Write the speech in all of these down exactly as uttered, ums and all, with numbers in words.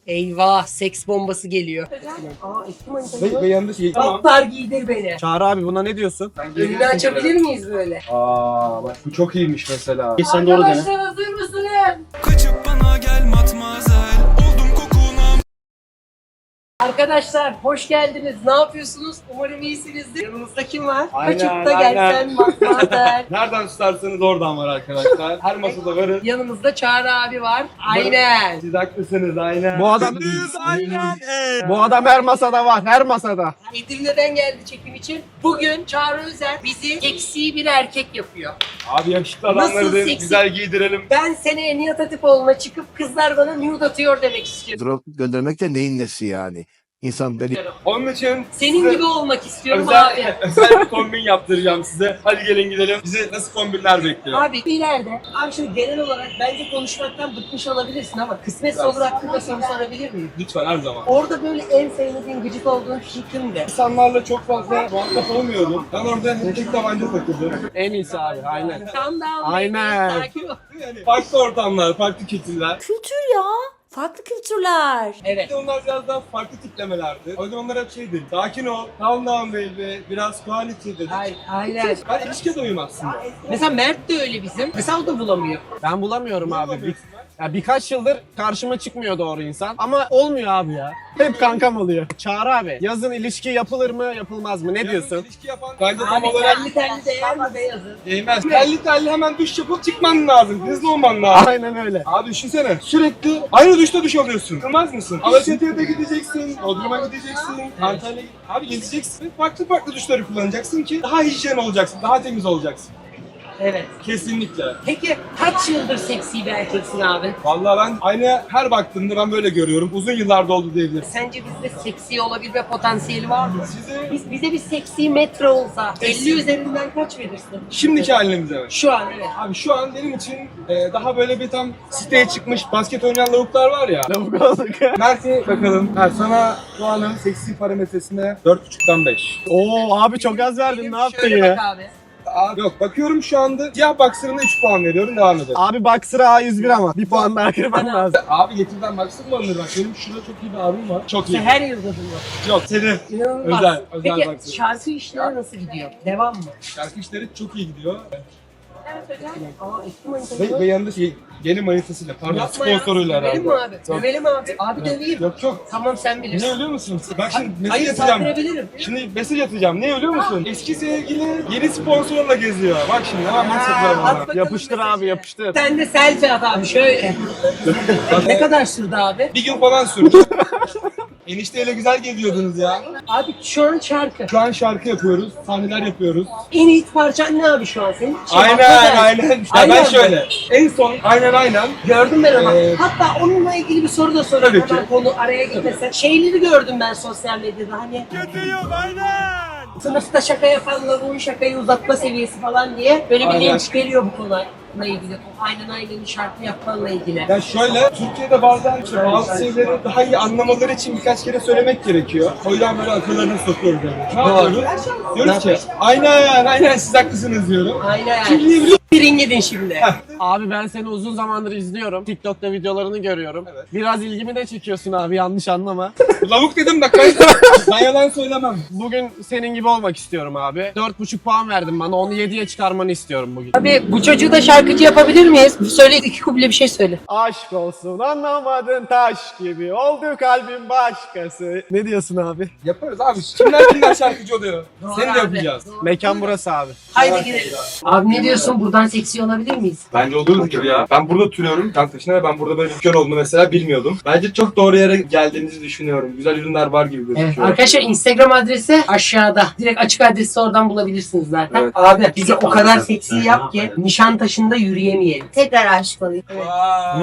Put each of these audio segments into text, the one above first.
Eyvah, seks bombası geliyor. Aa, eski manita. Ve, ve yanında şey... Kaplar giydir beni. Çağrı abi buna ne diyorsun? Önünü açabilir miyiz böyle? Aa bak bu çok iyiymiş mesela. Sen doğru dene. Arkadaşlar hazır mısınız? Kaçıp bana gel matmazel. Oldum kokuna. Arkadaşlar hoş geldiniz. Ne yapıyorsunuz? Umarım iyisinizdir. Yanımızda kim var? Aynen, Kaçıp da aynen. gelsen matmazel. Nereden tutarsanız oradan var arkadaşlar. Her masada varız. Yanımızda Çağrı abi var. Aynen. Siz haklısınız aynen. Bu adam Bu adam her masada var, her masada. Edirne'den geldi çekim için. Bugün Çağrı Özer bizi seksi bir erkek yapıyor. Abi yakışıklı adamları Nasıl da seksi? güzel giydirelim. Ben seneye Nihat Hatipoğlu'na çıkıp kızlar bana nude atıyor demek istiyorum. Drop göndermek de neyin nesi yani? İnsan beni Onun için Senin size gibi olmak istiyorum özel, abi. özel bir kombin yaptıracağım size. Hadi gelin gidelim. Bizi nasıl kombinler bekliyor? Abi ileride, abi şimdi genel olarak bence konuşmaktan bıkmış olabilirsin ama kısmetse olur hakkında soru sorabilir miyim? Lütfen her zaman. Orada böyle en sevmediğin, gıcık olduğun kişi kimdi? İnsanlarla çok fazla muhatap olmuyordum. Ben orada hep tek tabanca takıldım. En iyisi abi, aynen. Calm down. Aynen. baby, sakin ol. Yani farklı ortamlar, farklı kültürler. Kültür ya. Farklı kültürler. Evet. Bir de onlar biraz daha farklı tiplemelerdi. O yüzden onlar hep şeydi. Sakin ol, calm down baby, biraz quality dedi. Ay, aynen. Ben ilişkiye de uyum aslında. Mesela Mert de öyle bizim. Mesela o da bulamıyor. Ben bulamıyorum abi. Bir, ya birkaç yıldır karşıma çıkmıyor doğru insan. Ama olmuyor abi ya. Hep kankam oluyor. Çağrı abi, yazın ilişki yapılır mı, yapılmaz mı? Ne diyorsun? İlişki yapan bence tam Abi olarak terli terli değer mi beyazı? değmez. Telli telli hemen duş yapıp çıkman lazım. Hızlı olman lazım. Aynen öyle. Abi düşünsene sürekli aynı duşta duş alıyorsun. Kılmaz mısın? Alaçatı'ya da gideceksin, Bodrum'a gideceksin, Antalya'ya Abi gezeceksin. Farklı farklı duşları kullanacaksın ki daha hijyen olacaksın, daha temiz olacaksın. Evet. Kesinlikle. Peki kaç yıldır seksi bir erkeksin abi? Vallahi ben aynaya her baktığımda ben böyle görüyorum. Uzun yıllarda oldu diyebilirim. Sence bizde seksi olabilme potansiyeli var mı? Size Biz, bize bir seksi metre olsa elli üzerinden kaç verirsin? şimdiki halimize mi? Şu an evet. Abi şu an benim için e, daha böyle bir tam siteye çıkmış basket oynayan lavuklar var ya. Lavuk olduk. Mert'e bakalım. Ha, sana puanım seksi parametresinde dört buçuktan beş. Oo abi çok az verdin, ne yaptın Şöyle ya? bak abi. Abi yok bakıyorum şu anda siyah boxer'ına üç puan veriyorum, devam edelim. Abi Boxer'a A yüz bir ama bir puan daha kırman lazım. Abi getirden boxer mı alınır bak, benim şurada çok iyi bir abim var. Çok iyi. Sen her yılda bunu. Yok senin. İnanılmaz. Özel, özel Peki baksana. şarkı işleri nasıl gidiyor? Devam mı? Şarkı işleri çok iyi gidiyor. Evet hocam. Aa eski manita. Ve, ve yanında şey yeni manitasıyla pardon Yapma ya. sponsoruyla Dövelim mi herhalde. abi? Yok. Dövelim abi. Abi döveyim. Yok yok. Tamam sen Ne bilirsin. biliyor musun? Bak şimdi mesaj Hayır atacağım. saldırabilirim. Şimdi mesaj atacağım. Ne biliyor musun? Eski sevgili yeni sponsorla geziyor. Bak şimdi hemen mesaj atıyorum at ona. bakalım Yapıştır mesajı. abi, yapıştır. Sen de selfie at abi şöyle. Ne kadar sürdü abi? Bir gün falan sürdü. Enişteyle güzel geziyordunuz ya. Abi şu an şarkı. Şu an şarkı yapıyoruz, sahneler yapıyoruz. En iyi parçan ne abi şu an senin? Şey, Aynen hakikaten. aynen. Ya Aynen ben mi? şöyle. En son aynen aynen. Gördüm ben ama. Ee, Hatta onunla ilgili bir soru da sorayım. Tabii ki. Hemen konu araya gitmese. Şeyleri gördüm ben sosyal medyada hani. Kötüyüm aynen. Sınıfta şaka yapanlar bu şakayı uzatma seviyesi falan diye böyle bir Aynen. linç geliyor bu konuyla ilgili. O aynen aynen şarkı yapmanla ilgili. Ya şöyle, Türkiye'de bazen işte bazı şeyleri daha iyi anlamaları için birkaç kere söylemek gerekiyor. O yüzden böyle akıllarını sokuyoruz yani. Ne yapıyoruz? Diyoruz ki, aynen aynen siz haklısınız diyorum. Aynen. Kim diyebiliyor? Birin gidin şimdi. Abi ben seni uzun zamandır izliyorum. TikTok'ta videolarını görüyorum. Evet. Biraz ilgimi de çekiyorsun abi, yanlış anlama. Lavuk dedim bak ben, ben yalan söylemem. Bugün senin gibi olmak istiyorum abi. dört buçuk puan verdin bana, onu yediye çıkarmanı istiyorum bugün. Abi bu çocuğu da şarkıcı yapabilir miyiz? Söyle iki kuple bir şey söyle. Aşk olsun anlamadın taş gibi oldu kalbim başkası. Ne diyorsun abi? Yaparız abi. Kimler kimler şarkıcı oluyor? Seni de abi. yapacağız. Mekan burası abi. Haydi girelim. Abi ne diyorsun? Buradan seksi olabilir miyiz? Bence olurdu gibi ya. Ben burada oturuyorum Kantaşı'na ve ben burada böyle dükkan olduğunu mesela bilmiyordum. Bence çok doğru yere geldiğinizi düşünüyorum. Güzel ürünler var gibi Evet. gözüküyor. Arkadaşlar Instagram adresi aşağıda. Direkt açık adresi oradan bulabilirsiniz zaten. Evet. Abi bizi o kadar seksi yap ki Nişantaşı'nda yürüyemeyelim. Tekrar aşık olayım. Vay.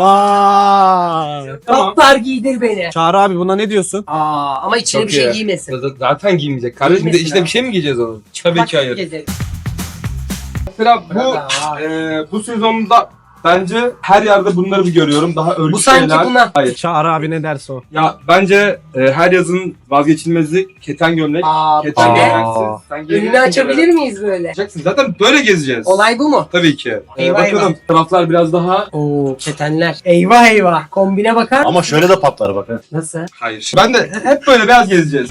Vay. Tamam. Kaplar giydir beni. Çağrı abi buna ne diyorsun? Aa ama içine Çok bir şey iyi. giymesin. Z- Zaten giymeyecek. Kardeşim de Giymesin içine abi. bir şey mi giyeceğiz onun? Tabii ki hayır. Gezelim. Mesela bu Bravo. e, bu sezonda Bence her yerde bunları bir görüyorum. Daha örgü Bu sanki şeyler. buna. Hayır. Çağrı abi ne derse o. Ya bence e, her yazın vazgeçilmezi keten gömlek. Aa, Keten bu ne? gömleksiz. Sen giyeceksin Önünü açabilir miyiz böyle? Yapacaksın. Zaten böyle gezeceğiz. Olay bu mu? Tabii ki. Ee, Eyvah, bakalım. eyvah. Taraflar biraz daha... Oo ketenler. Eyvah eyvah. Kombine bakar Ama şöyle de patlar bak. ha. Nasıl? Hayır. Ben de hep böyle beyaz gezeceğiz.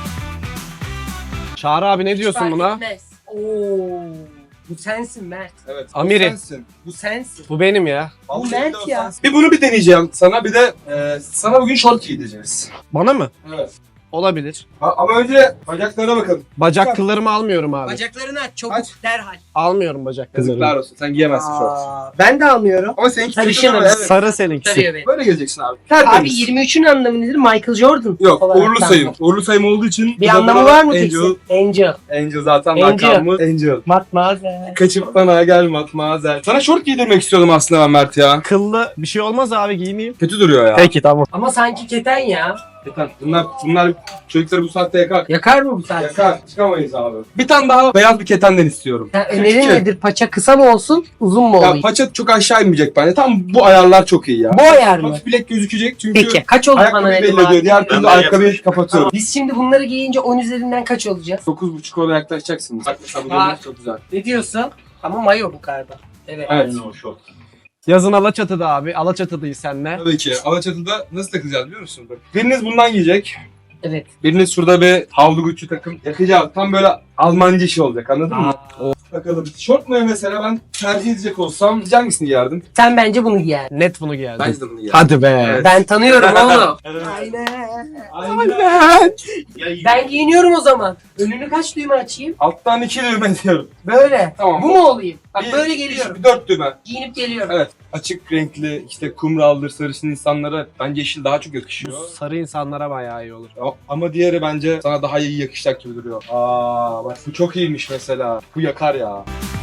Çağrı abi ne diyorsun Fark buna? etmez. Oo. Bu sensin Mert. Evet. Amiri. Bu sensin. Bu sensin. Bu benim ya. Bu Mert ya. Bir bunu bir deneyeceğim sana. Bir de e, sana bugün şort giydireceğiz. Bana mı? Evet. Olabilir. Ha, ama önce bacaklarına bakalım. Bacak kıllarımı almıyorum abi. Bacaklarını aç çabuk Aç. derhal. Almıyorum bacak Yazıklar kıllarımı. olsun. Sen giyemezsin şort. Aa, ben de almıyorum. Ama seninki Sarışınım. kötü ama evet. Sarı seninkisi. Sarıyor beni. Böyle gezeceksin abi. Abi Tertemiz. yirmi üçün anlamı nedir? Michael Jordan. Yok, olarak uğurlu ben- sayım. Uğurlu sayım olduğu için... Bir bu da anlamı buna var mı Angel, peki? Angel. Angel zaten Angel. makamımız. Angel. Matmazel. Kaçıp bana gel matmazel. Sana şort giydirmek istiyordum aslında ben Mert ya. Kıllı bir şey olmaz abi giyineyim. Kötü duruyor ya. Peki tamam. Ama sanki keten ya. Yeter. Bunlar, bunlar çocukları bu saatte yakar. Yakar mı bu saat? Yakar. Çıkamayız abi. Bir tane daha beyaz bir ketenden istiyorum. Ya, önerin Küçük. nedir? Paça kısa mı olsun, uzun mu Ya olayım? paça çok aşağı inmeyecek bence. Tam bu ayarlar çok iyi ya. Bu ayar mı? Hafif bilek gözükecek çünkü Peki. Kaç oldu bana ayakkabıyı ne belli ediyor. Diğer türlü ayakkabıyı kapatıyorum. Biz şimdi bunları giyince on üzerinden kaç olacağız? dokuz buçuk oraya yaklaşacaksınız. Bak mesela bu Aa. gömlek çok güzel. Ne diyorsun? Ama mayo bu galiba. Evet. Evet. o şort. Yazın Alaçatı'da abi. Alaçatı'dayız seninle. Tabii ki. Alaçatı'da nasıl takacağız biliyor musun? Bak. Biriniz bundan giyecek. Evet. Biriniz şurada bir havlu Gucci takım yakacağız. Tam böyle Almancı işi olacak anladın mı? Aa. Bakalım. Şort mu mesela ben tercih edecek olsam hangisini giyerdim? Sen bence bunu giy yani. Net bunu giyerdim. Bence de bunu giyerdim. Hadi be. Evet. Ben tanıyorum oğlum. Aynen. Aynen. Ben giyiniyorum o zaman. Önünü kaç düğme açayım? Alttan iki düğme diyorum. Böyle. Tamam. Bu mu olayım? Bak Bir- böyle bir- geliyorum. Bir dört düğme. Giyinip geliyorum. Evet. Açık renkli işte kumraldır sarışın insanlara bence yeşil daha çok yakışıyor. Sarı insanlara bayağı iyi olur. Ya, ama diğeri bence sana daha iyi yakışacak gibi duruyor. Aa bak bu çok iyiymiş mesela. Bu yakar ya.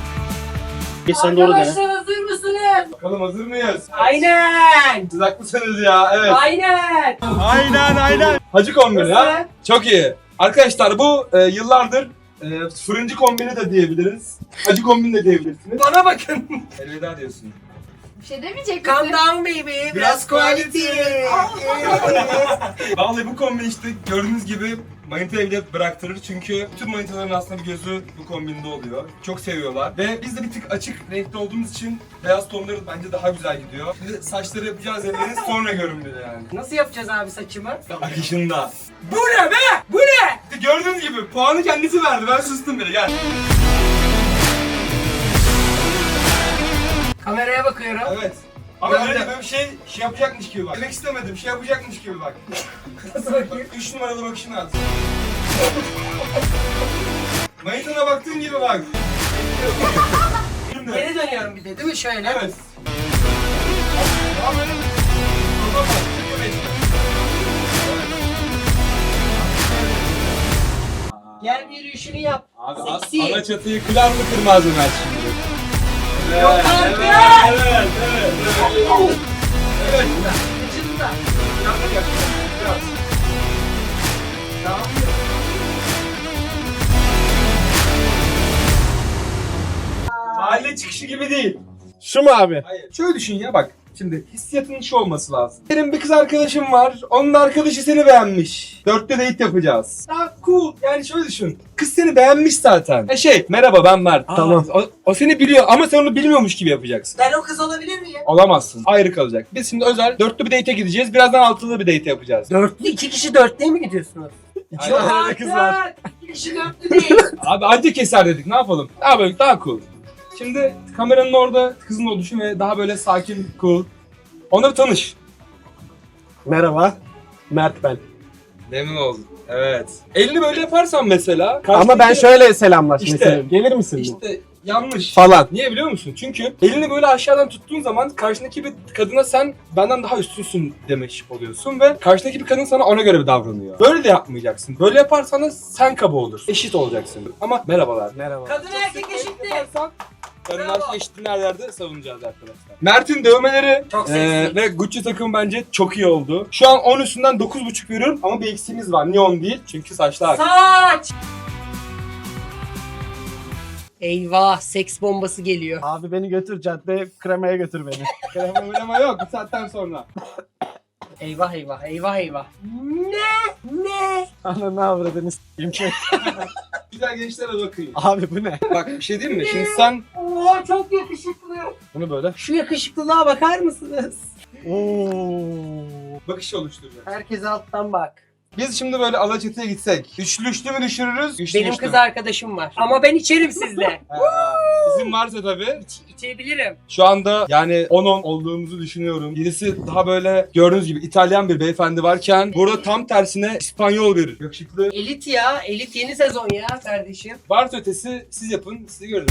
Geç sen doğru dene. Arkadaşlar hazır mısınız? Bakalım hazır mıyız? Aynen. Siz haklısınız ya evet. Aynen. Aynen aynen. Hacı kombini ha. Nasıl? Çok iyi. Arkadaşlar bu e, yıllardır e, fırıncı kombini de diyebiliriz. Hacı kombini de diyebilirsiniz. Bana bakın. Elveda diyorsun. Bir şey demeyecek Calm misin? down baby. Biraz quality. Vallahi bu kombin işte gördüğünüz gibi manitayı bile bıraktırır çünkü tüm manitaların aslında bir gözü bu kombinde oluyor. Çok seviyorlar ve biz de bir tık açık renkli olduğumuz için beyaz tonları bence daha güzel gidiyor. Şimdi saçları yapacağız elleri sonra görünmeli yani. Nasıl yapacağız abi saçımı? Akışında. Bu ne be? Bu ne? İşte gördüğünüz gibi puanı kendisi verdi ben sustum bile gel. Kameraya bakıyorum. Evet. Ama Ben öyle de. böyle bir şey, şey yapacakmış gibi bak. Demek istemedim, şey yapacakmış gibi bak. Nasıl bakayım? Üç numaralı bakışını at. Manitana baktığın gibi bak. Şimdi. Geri dönüyorum bir de değil mi şöyle? Evet. Tamam, öyle mi? Tamam, bak, evet. Gel bir yürüyüşünü yap. Abi Seksi. ana çatıyı kırar mı kırmaz mı ben şimdi? Evet, Yok artık. Evet, evet, evet. Evet. Evet. Kıçında. Yanına gel. Biraz. Tamam. Mahalle çıkışı gibi değil. Şu mu abi? Hayır. Şöyle düşün ya bak. Şimdi hissiyatının şu olması lazım. Benim bir kız arkadaşım var. Onun da arkadaşı seni beğenmiş. Dörtte date yapacağız. Daha cool. Yani şöyle düşün. Kız seni beğenmiş zaten. E şey merhaba ben Mert. Tamam. O, o seni biliyor ama sen onu bilmiyormuş gibi yapacaksın. Ben o kız olabilir miyim? Olamazsın. Ayrı kalacak. Biz şimdi özel dörtlü bir date'e gideceğiz. Birazdan altılı bir date yapacağız. Dörtlü, iki kişi dörtlüye mi gidiyorsunuz? İki Yok tane kız var. artık. İki kişi dörtlü değil. Abi anca keser dedik. Ne yapalım? Daha böyle daha cool. Şimdi kameranın orada kızın oluşu ve daha böyle sakin, cool. Onları tanış. Merhaba. Mert ben. Memnun oldum. Evet. Elini böyle yaparsan mesela. Ama ben karşıdaki- şöyle selamlaşmak İşte- isterim. Gelir misin? İşte yanlış. Falan. Niye biliyor musun? Çünkü elini böyle aşağıdan tuttuğun zaman karşındaki bir kadına sen benden daha üstünsün demiş oluyorsun ve karşındaki bir kadın sana ona göre bir davranıyor. Böyle de yapmayacaksın. Böyle yaparsan da sen kaba olur. Eşit olacaksın. Ama merhabalar. Merhaba. Kadın erkek eşittir. Kadınlar eşitliğini her yerde savunacağız arkadaşlar. Mert'in dövmeleri Çok eee, seksi. ve Gucci takım bence çok iyi oldu. Şu an on üstünden dokuz buçuk veriyorum ama bir eksiğimiz var. Niye on değil? Çünkü saçlar. Saç. Eyvah, seks bombası geliyor. Abi beni götür cadde kremaya götür beni. Krema oynama yok bu saatten sonra. Eyvah eyvah eyvah eyvah. Ne? Ne? Ananı avradını s**eyim şey. Güzel gençlere bakayım. Abi bu ne? Bak bir şey diyeyim mi? Şimdi sen Oo çok yakışıklı. bunu böyle Şu yakışıklılığa bakar mısınız? Oo. bakış oluşturacak. Herkes alttan bak. Biz şimdi böyle Alaçatı'ya gitsek. Üçlü üçlü mü düşürürüz? Üçlü Benim üçlü kız mü? arkadaşım var. Ama ben içerim sizle. Ha, Bizim varsa tabii. İç, içebilirim. Şu anda yani on on olduğumuzu düşünüyorum. Birisi daha böyle gördüğünüz gibi İtalyan bir beyefendi varken burada tam tersine İspanyol bir yakışıklı. Elit ya. Elit yeni sezon ya kardeşim. Varsa ötesi siz yapın, sizi görün.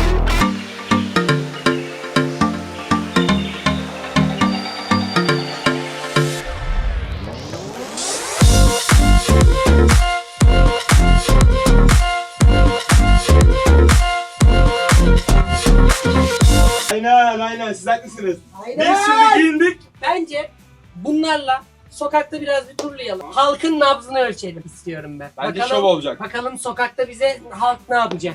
Aynen aynen siz haklısınız. Aynen. Biz şimdi giyindik. Bence bunlarla sokakta biraz bir turlayalım. Halkın nabzını ölçelim istiyorum ben. Bence bakalım, şov olacak. Bakalım sokakta bize halk ne yapacak?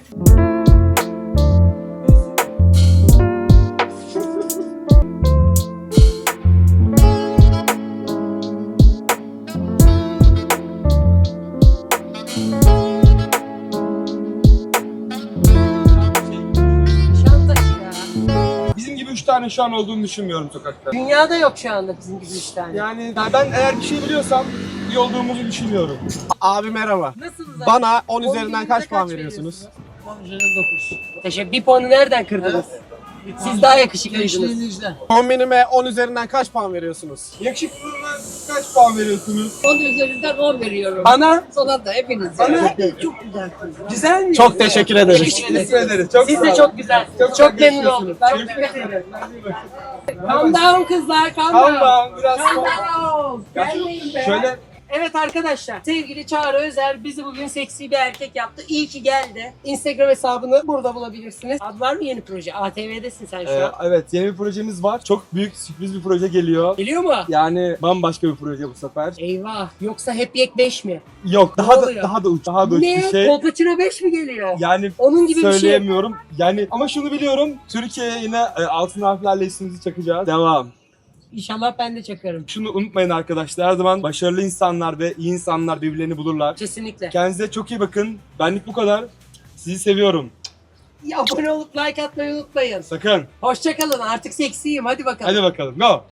Şantaj ya. Bizim gibi üç tane şu an olduğunu düşünmüyorum sokakta. Dünyada yok şu anda bizim gibi üç tane. Yani ben eğer bir şey biliyorsam iyi olduğumuzu düşünüyorum. Abi merhaba. Nasılsınız abi? Bana on On üzerinden üzerinden kaç puan kaç veriyorsunuz? on üzerinden dokuz. Teşekkür. Bir puanı nereden kırdınız? Siz daha yakışıklıydınız. Kombinime on üzerinden kaç puan veriyorsunuz? Yakışıklılığına kaç puan veriyorsunuz? on üzerinden on veriyorum. Bana Sana da hepiniz. Bana- çok güzel. Güzel mi? Çok teşekkür ederiz. teşekkür ederiz. Çok Siz sağ de olun. çok güzelsiniz. Çok, Çok memnun yakışıyorsunuz. oldum. Ben Çok teşekkür ederim. Calm down kızlar, calm Tamam down. tamam biraz Calm sonra. down. Gelmeyin be. Şöyle Evet arkadaşlar, sevgili Çağrı Özer bizi bugün seksi bir erkek yaptı. İyi ki geldi. Instagram hesabını burada bulabilirsiniz. Adı var mı yeni proje? A T V'desin sen şu Ee, an. evet yeni bir projemiz var. Çok büyük sürpriz bir proje geliyor. Geliyor mu? Yani bambaşka bir proje bu sefer. Eyvah. Yoksa hep yek beş mi? Yok daha da oluyor? daha da uç daha da uç Ne? bir şey. Kolpaçino beş mi geliyor? Yani Onun gibi bir şey. söyleyemiyorum. Yani ama şunu biliyorum. Türkiye'ye yine e, altın harflerle ismimizi çakacağız. Devam. İnşallah ben de çakarım. Şunu unutmayın arkadaşlar. Her zaman başarılı insanlar ve iyi insanlar birbirlerini bulurlar. Kesinlikle. Kendinize çok iyi bakın. Benlik bu kadar. Sizi seviyorum. Abone olup like atmayı unutmayın. Sakın. Hoşçakalın. Artık seksiyim. Hadi bakalım. Hadi bakalım. Go.